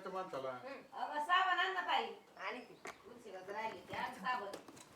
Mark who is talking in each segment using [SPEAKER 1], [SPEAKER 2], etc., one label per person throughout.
[SPEAKER 1] करायचं माणसाला.
[SPEAKER 2] अगं साबण आण ना ताई. आणि ती उशिराच राहिली ती आण साबण.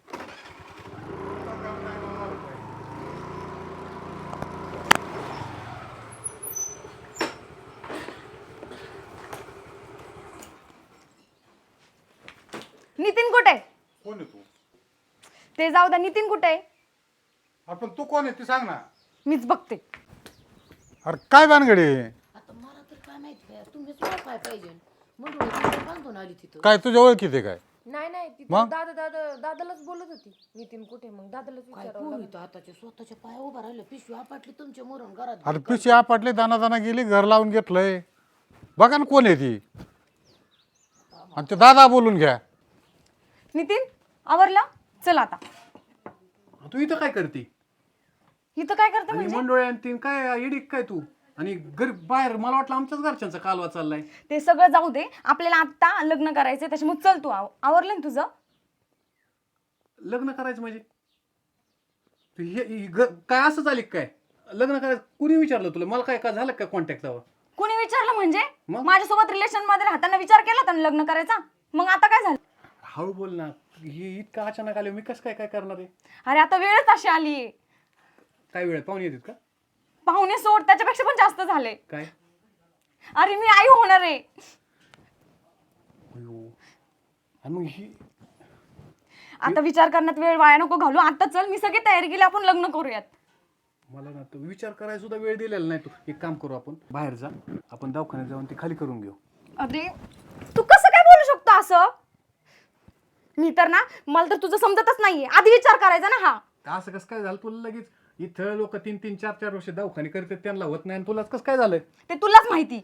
[SPEAKER 3] नितीन कुठे आहे?
[SPEAKER 1] कोण आहे तू?
[SPEAKER 3] ते जाऊ द्या. नितीन कुठे आहे?
[SPEAKER 1] आपण तू कोण आहे ती सांग ना.
[SPEAKER 3] मीच बघते.
[SPEAKER 1] अरे काय भानगडी?
[SPEAKER 2] आता मला तर काय माहिती काय तुम्हीच काय पाहिजे म्हणून बांधून आली तिथं.
[SPEAKER 1] काय तुझ्या ओळखीत आहे काय?
[SPEAKER 4] नाही ती
[SPEAKER 1] मग?
[SPEAKER 4] दादालाच बोलत होती. नितीन कुठे मग दादालाच
[SPEAKER 2] काय
[SPEAKER 4] विचारावं
[SPEAKER 2] पोरी तर आताच्या स्वतःच्या पाया उभा राहिलं पिशवी आपटली तुमच्या मरून घरात.
[SPEAKER 1] अरे पिशी आपटले दाना दाना गेली घर लावून घेतलंय. बघा ना कोण आहे ती. आणि ते दादा बोलून घ्या.
[SPEAKER 3] नितीन आवरला? चल आता.
[SPEAKER 5] तू इथं काय करते?
[SPEAKER 3] इथं काय करते
[SPEAKER 5] आणि
[SPEAKER 3] म्हणजे?
[SPEAKER 5] मंडोळ्या आणि तीन काय येडी काय तू? आणि घर बाहेर मला वाटलं आमच्याच घरच्यांचा कालवा चाललाय.
[SPEAKER 3] ते सगळं जाऊ दे. आपल्याला आता लग्न करायचंय त्याच्यामुळे चल तू. आवरलं ना तुझं?
[SPEAKER 5] लग्न करायचं म्हणजे तू काय असं झालं काय? लग्न करायचं कुणी विचारलं तुला? मला काय झालं काय कॉन्टॅक्ट जावं?
[SPEAKER 3] कुणी विचारलं म्हणजे?
[SPEAKER 5] मग?
[SPEAKER 3] माझ्यासोबत रिलेशन मध्ये राहताना विचार केला होता ना लग्न करायचा? मग आता काय झालं?
[SPEAKER 5] हळू बोल ना. हे इतकं अचानक आले मी कसं काय काय करणार आहे?
[SPEAKER 3] अरे आता वेळच अशी आली.
[SPEAKER 5] काय वेळ पाहुणे येतात का?
[SPEAKER 3] पाहुणे सोड त्याच्यापेक्षा पण जास्त झाले.
[SPEAKER 5] काय?
[SPEAKER 3] अरे मी आई होणार आहे.
[SPEAKER 5] अयो. आणि मग ही
[SPEAKER 3] आता विचार करण्यात वेळ वाया नको घालू. आता चल मी सगळी तयारी केली. आपण लग्न करूयात.
[SPEAKER 5] मला ना तो विचार करायला सुद्धा वेळ दिलेला नाही. तू एक काम करू आपण बाहेर जा. आपण दवाखान्यात जाऊन ती खाली करून घेऊ.
[SPEAKER 3] अरे तू कसं काय बोलू शकतो असं? मी तर ना मला तर तुझं समजतच नाहीये. आधी विचार करायचा ना हा.
[SPEAKER 5] असं कसं काय झालं तुला? लगेच इथं लोक 3-3, 4-4 वर्ष दवाखाने करतात त्यांना होत नाही आणि तुलाच कसं काय झालंय?
[SPEAKER 3] ते तुलाच माहिती.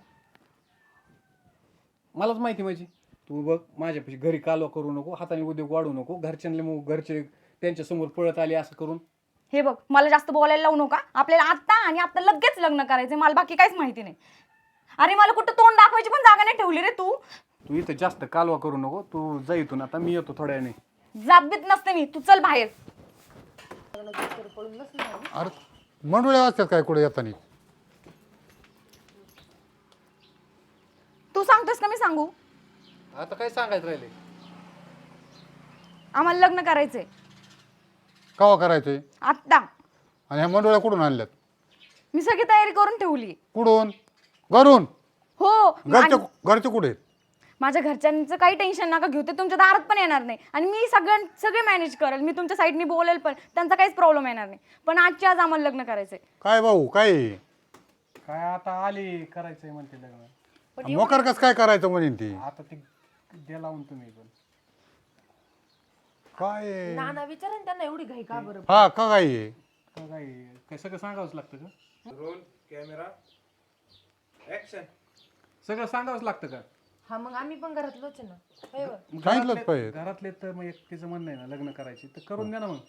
[SPEAKER 5] मलाच माहिती माझी. तू बघ माझ्यापाशी घरी कालवा करू नको, हाताने उद्योग वाढू नको. घरच्यांना मग घरचे त्यांच्या समोर पळत आले असं करून.
[SPEAKER 3] हे बघ मला जास्त बोलायला लावू नका. आपल्याला आत्ता आणि आता लगेच लग्न करायचंय. मला बाकी काहीच माहिती नाही. अरे मला कुठं तोंड दाखवायची पण जागा नाही ठेवली रे तू.
[SPEAKER 5] तू इथं जास्त कालवा करू नको. तू जा इथून. आता मी येतो थोड्या वेळाने.
[SPEAKER 3] जाबीत नसते मी. तू चल बाहेर.
[SPEAKER 1] अरे मंडोळ्या वाजतात काय कुठे येतानी?
[SPEAKER 3] तू सांगतोस का मी सांगू?
[SPEAKER 5] आता काय सांगायचं राहिले?
[SPEAKER 3] आम्हाला लग्न करायचंय
[SPEAKER 1] कवा करायचंय?
[SPEAKER 3] आत्ता.
[SPEAKER 1] आणि ह्या मंडोळ्या कुठून आणल्यात?
[SPEAKER 3] मी सगळी तयारी करून ठेवली.
[SPEAKER 1] कुठून? घरून?
[SPEAKER 3] हो.
[SPEAKER 1] घरचे कुठे आहेत?
[SPEAKER 3] माझ्या घरच्यांचं काही टेन्शन नका घेऊ. ते तुमच्या दारात पण येणार नाही. आणि मी सगळे मॅनेज करेल. मी तुमच्या साईडनी बोलेल पण. त्यांचा काहीच प्रॉब्लेम येणार नाही. पण आजच्या आज आम्हाला लग्न करायचंय.
[SPEAKER 1] काय भाऊ काय?
[SPEAKER 5] काय आता आली करायचंय म्हणते लग्न.
[SPEAKER 1] मोकर कस काय करायचं म्हणेन ती?
[SPEAKER 5] आता ते द्या लावून तुम्ही पण.
[SPEAKER 1] काय?
[SPEAKER 4] नाना विचारा ना त्यांना एवढी घाई का बरं?
[SPEAKER 1] हा का काय?
[SPEAKER 5] काय काय सगळं सांगावंच लागतं का?
[SPEAKER 6] Roll camera action.
[SPEAKER 5] सगळं सांगावंच लागतं का?
[SPEAKER 4] हा मग आम्ही पण घरातलोच आहे ना. होय होय.
[SPEAKER 1] सांगितलंच पाहिजे.
[SPEAKER 5] घरातले तर मग एकटीचं म्हणणं आहे ना लग्न करायची तर करून द्या ना मग.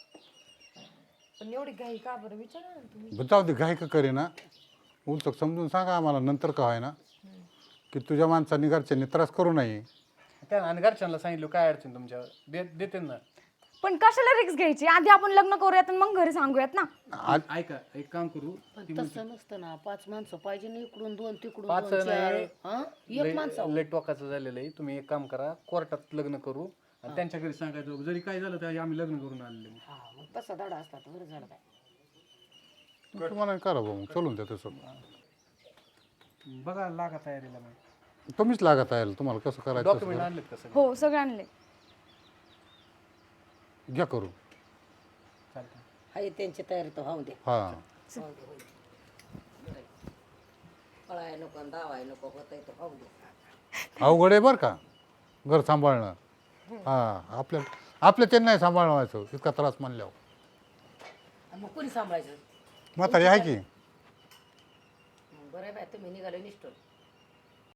[SPEAKER 4] पण एवढी घाई का बरं विचारा ना तुम्ही.
[SPEAKER 1] जाऊ दे घाई का करे ना. उलचक समजून सांगा आम्हाला नंतर का आहे ना की तुझ्या माणसांनी घरच्यांनी त्रास करू नये.
[SPEAKER 5] त्या आणि घरच्यांना सांगितलं काय अडचण तुमच्या देते ना.
[SPEAKER 3] पण कशाला रिक्स घ्यायची? आधी आपण लग्न करूयात आणि मग घरी सांगूयात ना.
[SPEAKER 5] ऐका एक काम करू.
[SPEAKER 2] पण तसं नसतं ना. 5 माणसं पाहिजे ना. इकडून 2 तिकडून
[SPEAKER 5] 5
[SPEAKER 2] 2 4.
[SPEAKER 5] नाही.
[SPEAKER 2] हा एक माणसं.
[SPEAKER 5] लय टोकाचं झालेलं आहे. तुम्ही एक काम करा कोर्टात लग्न करू आणि त्यांच्या घरी सांगायचं जरी काय झालं तर आम्ही लग्न करून आलेले.
[SPEAKER 2] हा मग तसा धडा असता तर बरं झालं काय.
[SPEAKER 1] तुम्हाला करा भाऊ चलून द्या तसं.
[SPEAKER 5] बघा लागा तयारीला मग.
[SPEAKER 1] तुम्हीच लागत आहे तुम्हाला कसं करायचं
[SPEAKER 5] डॉक्युमेंट
[SPEAKER 1] तसं
[SPEAKER 5] आणलेत कसं?
[SPEAKER 3] हो सगळे आणले.
[SPEAKER 1] घ्या करू.
[SPEAKER 5] चालतं.
[SPEAKER 2] हाय त्यांची तयारी तर होऊ दे.
[SPEAKER 1] हा
[SPEAKER 2] पळाय नको धावाय नको होतंय तर होऊ दे.
[SPEAKER 1] अवघड आहे बरं का घर सांभाळणं. हा आपल्या त्यांना नाही सांभाळणं व्हायचं इतका त्रास मानल्यावर.
[SPEAKER 2] आणि मग कोणी सांभाळायचं?
[SPEAKER 1] म्हातारी आहे की.
[SPEAKER 2] बरं आहे बाय तुम्ही निघाले निष्ठून.